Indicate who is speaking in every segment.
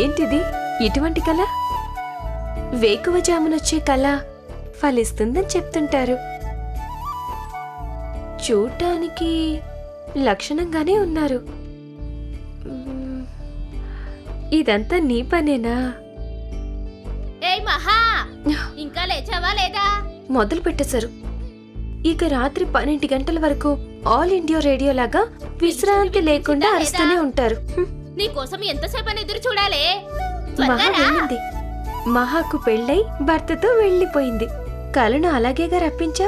Speaker 1: ఏంటిది? ఇటువంటి కళ? వేకువజామునొచ్చే కళ ఫలిస్తుందని చెప్తుంటారు. చూడటానికి లక్షణంగానే ఉన్నారు. ఇదంతా నీ పనేనా?
Speaker 2: ఏయ్ మహా, ఇంకా లేచావా లేదా?
Speaker 1: మొదలు పెట్టేశారు. ఇక రాత్రి 12 గంటల వరకు ఆల్ ఇండియా రేడియో లాగా విశ్రాంతి లేకుండా అరుస్తూనే ఉంటారు.
Speaker 2: నీకోసం ఎంతసేపని ఎదురు చూడాలి?
Speaker 1: మహా వెళ్ళింది. మహాకు పెళ్ళై భర్తతో వెళ్ళిపోయింది. కలను అలాగేగా రప్పించా.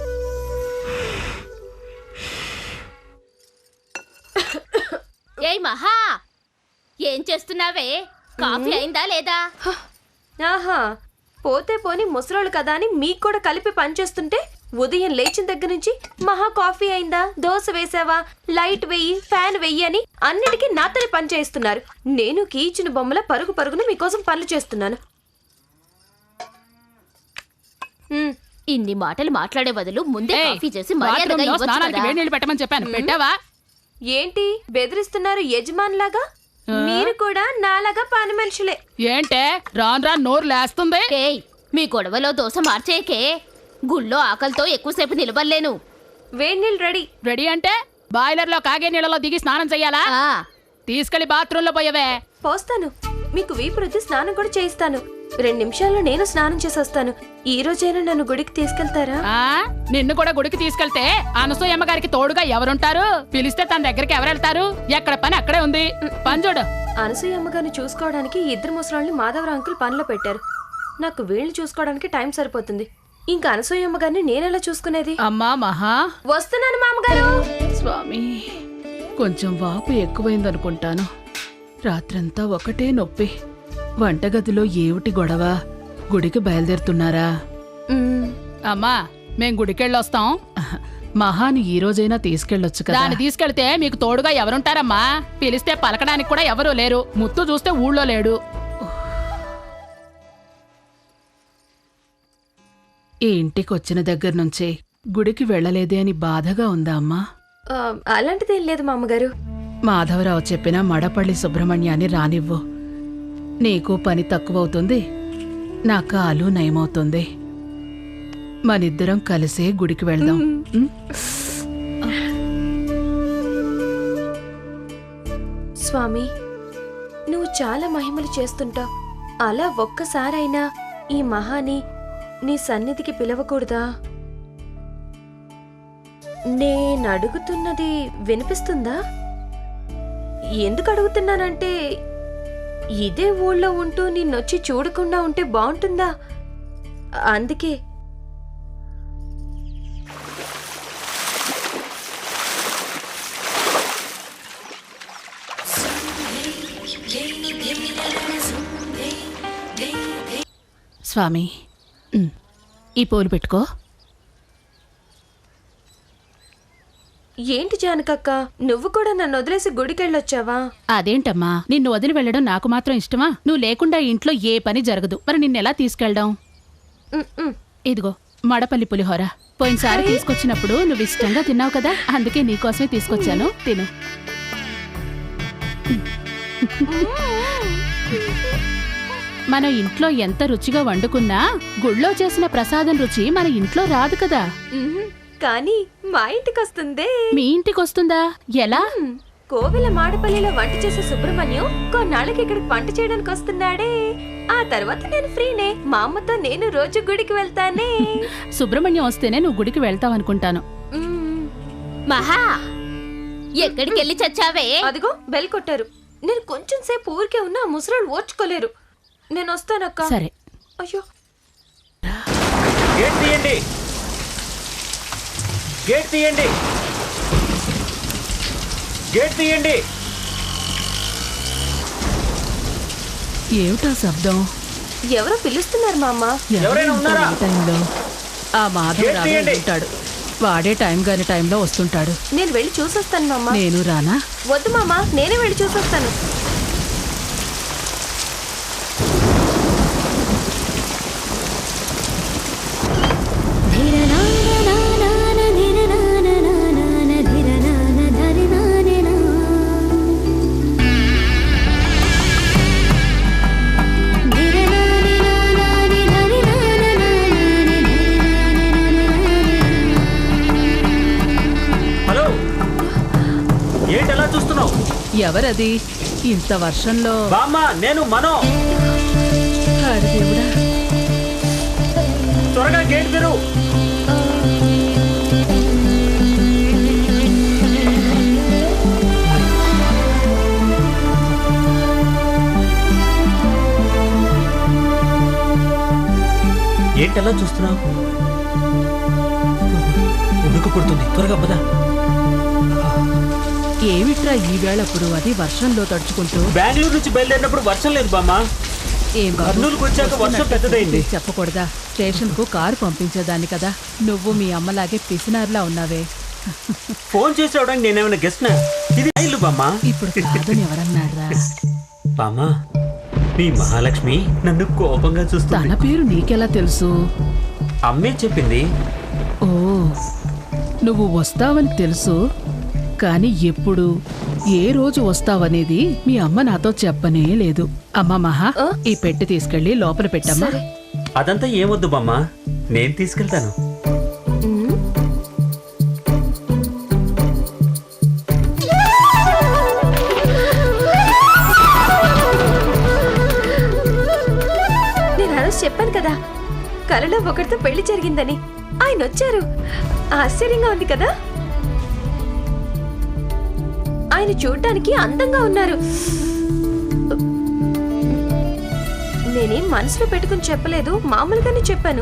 Speaker 2: ఏయ్ మహా, ఏం చేస్తున్నావే? కాఫీ అయిందా లేదా?
Speaker 1: ఆహా, పోతే పోని ముసలోళ్ళు కదా అని మీకు కూడా కలిపి పనిచేస్తుంటే ఉదయం లేచిన దగ్గర నుంచి మహా కాఫీ అయిందా, దోశ వేసావా, లైట్ వెయ్యి, ఫ్యాన్ వెయ్యి అని అన్నిటికీ నాతోనే పని చేస్తున్నారు. నేను కీచిన బొమ్మల పరుగు పరుగున మీకోసం పనులు చేస్తున్నాను.
Speaker 2: ఇన్ని మాటలు మాట్లాడే బదులు ముందే కాఫీ చేసి మర్యాదగా ఇవ్వచ్చు కదా.
Speaker 3: వేడి నీళ్ళు పెట్టమని చెప్పాను, పెట్టావా?
Speaker 1: ఏంటి బెదిరిస్తున్నారు యజమానులాగా? మీరు కూడా నాలాగా పని మనుషులే.
Speaker 3: ఏంటే రాను రాను నోరు లేస్తుంది?
Speaker 2: ఏయ్, మీ గొడవలో దోశ మార్చేకే. గుళ్ళో ఆకలితో ఎక్కువసేపు నిలబడలేను.
Speaker 1: వేడి నీళ్ళు రెడీ.
Speaker 3: రెడీ అంటే బాయిలర్ లో కాగే నీళ్ళలో దిగి స్నానం చెయ్యాలా? తీసుకెళ్లి బాత్రూమ్ లో పోయవే.
Speaker 1: పోస్తాను. మీకు వీపు రుద్ది స్నానం కూడా చేయిస్తాను. 2 నిమిషాల్లో నేను స్నానం చేసి వస్తాను. ఈ రోజైనా నన్ను గుడికి తీసుకెళ్తారా?
Speaker 3: నిన్ను కూడా గుడికి తీసుకెళ్తే అనసూయమ్మ గారికి తోడుగా ఎవరుంటారు? పిలిస్తే తన దగ్గరికి ఎవరెళ్తారు? ఎక్కడ పని అక్కడే ఉంది. పని చూడు.
Speaker 1: అనసూయమ్మ గారిని చూసుకోవడానికి 2 ముసలాళ్ళని మాధవరావు అంకుల్ పనిలో పెట్టారు. నాకు వీళ్ళని చూసుకోవడానికి టైం సరిపోతుంది. ఇంకా అనసూయమ్మ గారిని నేనెలా చూసుకునేది?
Speaker 3: అమ్మా మహా,
Speaker 1: వస్తున్నాను మామగారు.
Speaker 3: స్వామి, కొంచెం వాపు ఎక్కువైందనుకుంటాను. రాత్రంతా ఒకటే నొప్పి. వంటగదిలో ఏమిటి గొడవ? గుడికి బయలుదేరుతున్నారా? అమ్మా, మేం గుడికెళ్ళొస్తాం. మహాని ఈ రోజైనా తీసుకెళ్ళొచ్చు కదా. దాన్ని తీసుకెళ్తే మీకు తోడుగా ఎవరుంటారమ్మా? పిలిస్తే పలకడానికి కూడా ఎవరూ లేరు. ముత్తు చూస్తే ఊళ్ళో లేడు. ఈ ఇంటికొచ్చిన దగ్గర నుంచే గుడికి వెళ్ళలేదే అని బాధగా ఉందా అమ్మా?
Speaker 1: అలాంటిదేం లేదు మామగారు.
Speaker 3: మాధవరావు చెప్పిన మడపల్లి సుబ్రహ్మణ్యాన్ని రానివ్వు. నీకు పని తక్కువవుతుంది, నా కాలు నయమవుతుంది. మనిద్దరం కలిసే గుడికి వెళ్దాం.
Speaker 1: స్వామి, నువ్వు చాలా మహిమలు చేస్తుంటావు. అలా ఒక్కసారైనా ఈ మహాని నీ సన్నిధికి పిలవకూడదా? నేనడుగుతున్నది వినిపిస్తుందా? ఎందుకు అడుగుతున్నానంటే, ఇదే ఊళ్ళో ఉంటూ నిన్నొచ్చి చూడకుండా ఉంటే బాగుంటుందా? అందుకే.
Speaker 3: స్వామి, ఈ పూలు పెట్టుకో.
Speaker 1: ఏంటి జానకక్క, నువ్వు కూడా నన్ను వదిలేసి గుడికెళ్ళొచ్చావా?
Speaker 3: అదేంటమ్మా, నిన్ను వదిలి వెళ్ళడం నాకు మాత్రం ఇష్టమా? నువ్వు లేకుండా ఇంట్లో ఏ పని జరగదు. మరి నిన్నెలా తీసుకెళ్దాం? ఇదిగో మడపల్లి పులిహోర. పోయినసారి తీసుకొచ్చినప్పుడు నువ్వు ఇష్టంగా తిన్నావు కదా, అందుకే నీకోసమే తీసుకొచ్చాను. తిను. మనం ఇంట్లో ఎంత రుచిగా వండుకున్నా గుళ్ళో చేసిన ప్రసాదం రుచి మన ఇంట్లో రాదు కదా.
Speaker 1: కానీ మా ఇంటికొస్తుందే.
Speaker 3: మీ ఇంటికొస్తుందా? ఎలా?
Speaker 1: కోవెల మాడపల్లిలో వంట చేసే సుబ్రహ్మణ్యం కొన్నాళ్ళకి ఇక్కడికి వంట చేయడానికి వస్తున్నాడే. ఆ తర్వాత నేను ఫ్రీనే. మా అమ్మతో నేను రోజు గుడికి వెళ్తానే.
Speaker 3: సుబ్రహ్మణ్యం వస్తేనే నువ్వు గుడికి వెళ్తావనుకుంటాను.
Speaker 2: మహా, ఎక్కడికి వెళ్ళి చచ్చావే?
Speaker 1: అదిగో బెల్ కొట్టారు. నేను కొంచెం సేపు ఊరికే ఉన్నా ముసరాళ్ళు ఓర్చుకోలేరు. నేను వస్తానక్క.
Speaker 3: సరే.
Speaker 1: అయ్యో,
Speaker 4: గేట్ తీయండి, గేట్ తీయండి, గేట్ తీయండి.
Speaker 3: ఏమిటా శబ్దం?
Speaker 1: ఎవరో పిలుస్తున్నారు మా అమ్మ.
Speaker 4: ఎవరైనా ఉన్నారా?
Speaker 3: టైంలో ఆ మాధవ్ ఉంటాడు. వాడే టైం గాని టైంలో వస్తుంటాడు.
Speaker 1: నేను వెళ్ళి చూసొస్తాను మామ.
Speaker 3: నేను రానా?
Speaker 1: వద్దు మామ, నేనే వెళ్ళి చూసొస్తాను.
Speaker 3: ఎవరది ఇంత వర్షంలో?
Speaker 4: బామ్మ నేను మనో.
Speaker 3: హరి దేవుడా,
Speaker 4: త్వరగా గేట్ తెరు. ఏంటలా చూస్తున్నావు? ఉడుకు పుడుతుంది, త్వరగా పదా.
Speaker 3: ఏమిట్రా ఈవేళప్పుడు అది వర్షంలో తడుచుకుంటూ?
Speaker 4: బెంగళూరు నుంచి బయలుదేరినప్పుడు వర్షం లేదు బామ్మ.
Speaker 3: ఏం బాబు,
Speaker 4: కర్నూలుకు వచ్చాక వర్షం పెద్దదైంది.
Speaker 3: చెప్పకూడదా? స్టేషన్ కు కారు పంపించేదాన్ని కదా. నువ్వు మీ అమ్మలాగే పిసినారులా ఉన్నావే.
Speaker 4: ఫోన్ చేసి రావడానికి నేనేమైనా గెస్ట్నా? ఇది ఇల్లు బామ్మ.
Speaker 3: ఇప్పుడు కాదని ఎవరన్నారా?
Speaker 4: బామ్మ, మీ మహాలక్ష్మి నన్ను కోపంగా
Speaker 3: తన
Speaker 4: చూస్తుంది.
Speaker 3: పేరు నీకెలా తెలుసు?
Speaker 4: అమ్మే చెప్పింది.
Speaker 3: ఓ, నువ్వు వస్తావని తెలుసు, కానీ ఎప్పుడు ఏ రోజు వస్తావనేది మీ అమ్మ నాతో చెప్పనే లేదు. అమ్మ మహా, ఈ పెట్టి తీసుకెళ్లి లోపల పెట్టమ్మా.
Speaker 4: అదంతా ఏమొద్దు బామ్మ, నేను తీసుకెళ్తాను.
Speaker 1: నేను ఆ రోజు చెప్పాను కదా, కలలో ఒకరితో పెళ్లి జరిగిందని. ఆయన వచ్చారు. ఆశ్చర్యంగా ఉంది కదా. ఆయన చూడటానికి అందంగా ఉన్నారు. నేనేం మనసులో పెట్టుకుని చెప్పలేదు, మామూలుగానే చెప్పాను.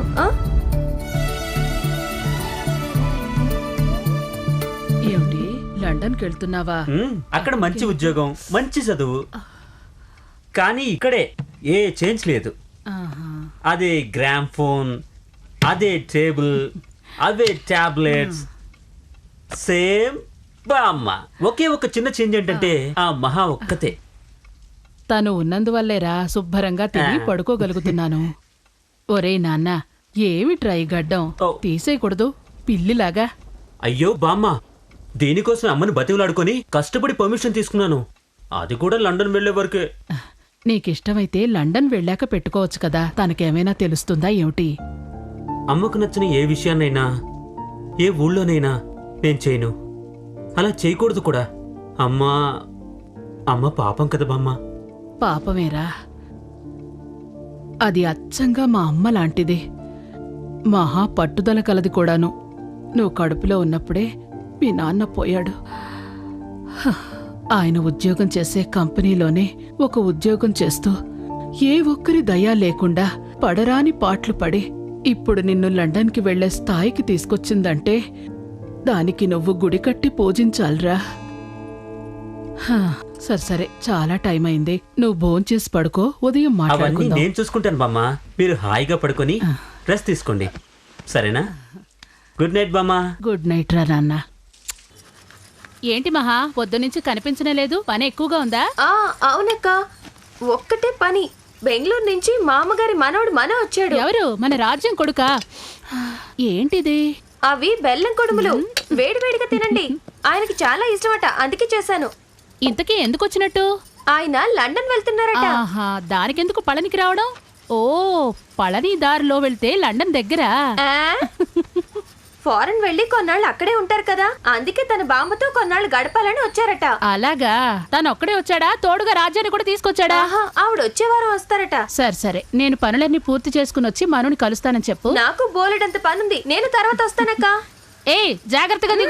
Speaker 3: ఏమిటి, లండన్కి వెళ్తున్నావా?
Speaker 4: అక్కడ మంచి ఉద్యోగం, మంచి చదువు, కానీ ఇక్కడే ఏ చేంజ్ లేదు.
Speaker 3: ఆహా.
Speaker 4: అదే గ్రామ్ ఫోన్, అదే టేబుల్, అవే టాబ్లెట్స్, సేమ్ బామ్మ. ఒకే ఒక చిన్న చేంజ్ ఏంటంటే ఆ మహా ఒక్కతే.
Speaker 3: తను ఉన్నందువల్లేరా శుభ్రంగా తిని పడుకోగలుగుతున్నాను. ఒరేయ్ నాన్న, ఏమిట్రా ఈ గడ్డం?
Speaker 4: ఓ.
Speaker 3: తీసేయకూడదు పిల్లిలాగా.
Speaker 4: అయ్యో బామ్మ, దీనికోసం అమ్మని బతివులాడుకొని కష్టపడి పర్మిషన్ తీసుకున్నాను. అది కూడా లండన్ వెళ్లే వరకే.
Speaker 3: నీకిష్టమైతే లండన్ వెళ్ళాక పెట్టుకోవచ్చు కదా. తనకేమైనా తెలుస్తుందా ఏమిటి?
Speaker 4: అమ్మకు నచ్చిన ఏ విషయాన్నైనా ఏ ఊళ్ళోనైనా నేను చేయను. అలా చేయకూడదు కూడా. అమ్మ పాపం కదా బామ్మ.
Speaker 3: పాపమేరా, అది అచ్చంగా మా అమ్మ లాంటిది. మహా పట్టుదల కలది కూడాను. నువ్వు కడుపులో ఉన్నప్పుడే మీ నాన్న పోయాడు. హ, ఆయన ఉద్యోగం చేసే కంపెనీలోనే ఒక ఉద్యోగం చేస్తూ ఏ ఒక్కరి దయా లేకుండా పడరాని పాట్లు పడి ఇప్పుడు నిన్ను లండన్కి వెళ్లే స్థాయికి తీసుకొచ్చిందంటే దానికి నువ్వు గుడి కట్టి పూజించాలిరా. హ, సరే చాలా టైం అయింది. నువ్వు భోంచేసి పడుకో, ఉదయం
Speaker 4: అవన్నీ
Speaker 3: మాట్లాడుకుందాం.
Speaker 4: నేను చూసుకుంటాను బామ్మ. మీరు హాయిగా పడుకొని రెస్ట్ తీసుకోండి, సరేనా? గుడ్ నైట్ బామ్మ.
Speaker 3: గుడ్ నైట్ రా నాన్న.
Speaker 2: ఏంటి మహా, పొద్దునుంచి కనిపించనే లేదు? పని ఎక్కువగా ఉందా?
Speaker 1: అవునక్క, ఒక్కటే పని. బెంగళూరు నుంచి మామగారి మనవడు వచ్చాడు.
Speaker 2: ఎవరు? మన రాజ్యం కొడుకా? ఏంటిది?
Speaker 1: అవి బెల్లం కొడుములు. వేడివేడిగా తినండి. ఆయనకి చాలా ఇష్టమట, అందుకే చేశాను.
Speaker 2: ఇంతకీ ఎందుకు వచ్చినట్టు?
Speaker 1: ఆయన లండన్ వెళ్తున్నారట.
Speaker 2: ఆహా, దానికెందుకు పళనికి రావడం? ఓ, పళని దారిలో వెళ్తే లండన్ దగ్గరా?
Speaker 1: ఫారెన్ వెళ్ళి కొన్నాళ్ళు అక్కడే ఉంటారు కదా, అందుకే తన బామ్మతో కొన్నాళ్ళు గడపాలని వచ్చారట.
Speaker 2: అలాగా? తను ఒక్కడే వచ్చాడా? తోడుగా రాజ్యాన్ని కూడా తీసుకొచ్చాడా?
Speaker 1: ఆవిడ వచ్చే వారం వస్తారట.
Speaker 2: సరే, నేను పనులన్నీ పూర్తి చేసుకుని వచ్చి మనుని కలుస్తానని చెప్పు.
Speaker 1: నాకు బోలెడంత పనుంది, నేను తర్వాత వస్తానక్క.
Speaker 2: ఏ, జాగ్రత్తగా దిగు.